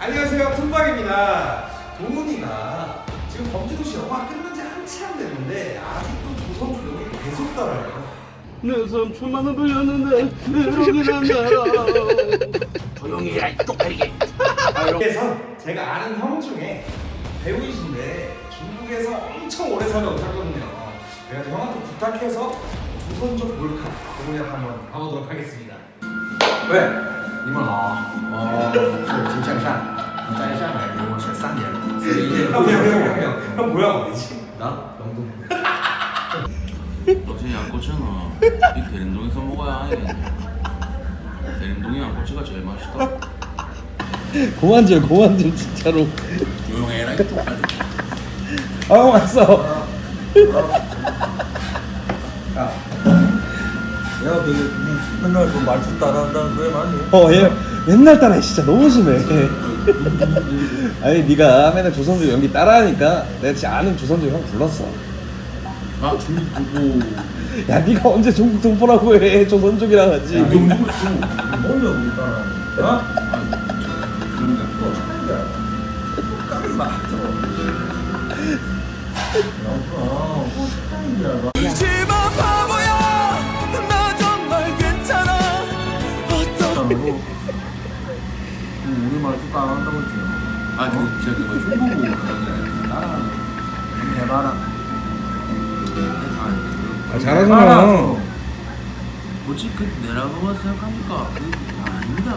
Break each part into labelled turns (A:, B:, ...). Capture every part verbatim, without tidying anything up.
A: 안녕하세요, 툰박입니다. 동훈이가 지금 범죄도시 영화 끝난 지 한참 됐는데 아직도 조선주 여기 계속 따라요.
B: 내 삼촌만은 불렸는데 그러긴 한다.
C: 조용히 해라 이 쪽팔리게.
A: 그래서 제가 아는 형 중에 배우이신데 중국에서 엄청 오래 살아오셨거든요. 그래가지고 형한테 부탁해서 조선족 몰카 동훈이한테 한번 가보도록 하겠습니다.
C: 喂，你们好，我是金向善，在上海留学三年了，所以
A: 형, 형, 형, 형, 형, 형 뭐야 어디지?
C: 나 영동.
D: 어제 양꼬치는 이 대림동에서 먹어야 하겠네. 대림동의 양꼬치가 제일 맛있다.
B: 고만 좀 고만 좀 진짜로.
D: 조용해라 이 쪽팔리.
B: 아 왔어.
E: 야, 내가 되게 맨날 그 말투 따라한다는 거에 맞니?
B: 어 얘 맨날 따라해 진짜 너무 심해. 아니 네가 맨날 조선족 연기 따라하니까 내가 진짜 아는 조선족 형 불렀어.
D: 아 중국 보고
B: 야 네가 언제 중국 동포라고 해 조선족이랑 하지.
E: 뭔데 우리 따라하는 거야?
D: 그런 게
E: 뭐 하는 거야? 까비 맞어. 어, 뭐 하는 거야? 따라하고 우리 말투 따라한다고 했지.
D: 아 그 제가 그거 흉 보고 그런 게 아니라
E: 한번 해봐라.
B: 아, 잘하잖아.
D: 뭐지 그 내라고만 생각하니까 그 아닙니다.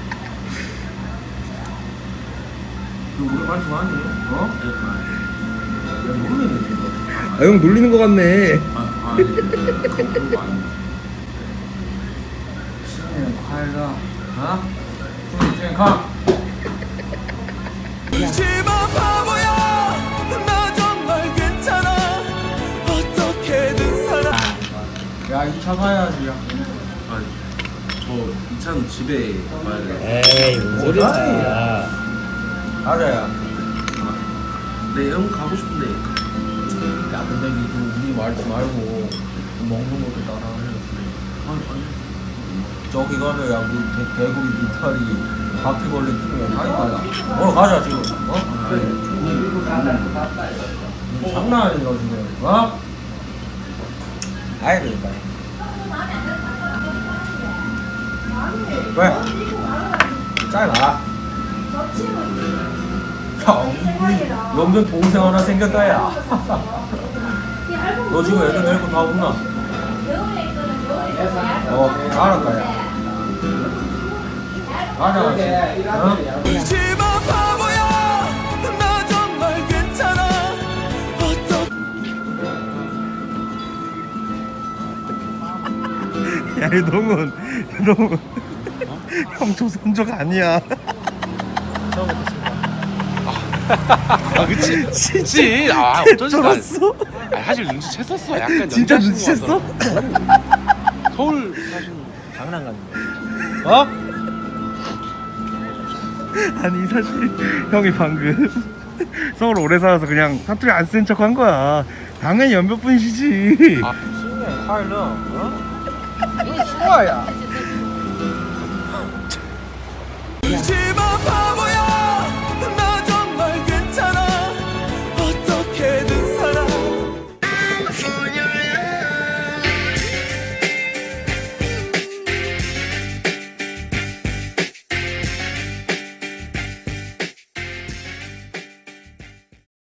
E: 그 우리 말투 아니? 어?
D: 네,
E: 야, 모르는 얘기야.
B: 아 형 놀리는 거 같네.
D: 아, 아, 그런 거 아닙니다.
E: 신년快乐, 어?祝你健康. 야, 이 차 가야지. 야.
D: 아, 저 이 차는 집에 가야 돼.
B: 에이 무슨 소리야.
E: 가자야.
D: 네, 형 가고 싶은데.
E: 야, 근데 이거 우리 말지 말고 먹는 것도 따라하려고.
D: 아, 아니.
E: 저기 가면 야, 우리 대, 대구리 비탈이 바퀴벌레 죽으면 다 있다. 어, 가자 지금. 어?
D: 아,
E: 이거 장난 아니야 지금. 어? 아이 그러니까. 왜? 짧아. 야, 우리 연변 동생 하나 생겼다 야. 너 지금 애들 데리고 다 온나? 어, 알았다 야. 가자. 어?
B: 야 이동훈 이동훈 형 조선족 아니야.
F: 아 그치 그치 아 어쩐지 난
B: 쩔었어?
F: 아, 사실 눈치챘었어 약간
B: 진짜
F: 연기하신 거
B: 눈치챘어?
F: 같아서. 서울 사시는
E: 장난 같네. 어?
B: 아니 사실 형이 방금 서울 오래 살아서 그냥 사투리 안 쓴 척 한 거야. 당연히 연변분이시지.
F: 아,
E: 신년 快乐, 어? 이거 좋아야.
G: 집 앞 바보야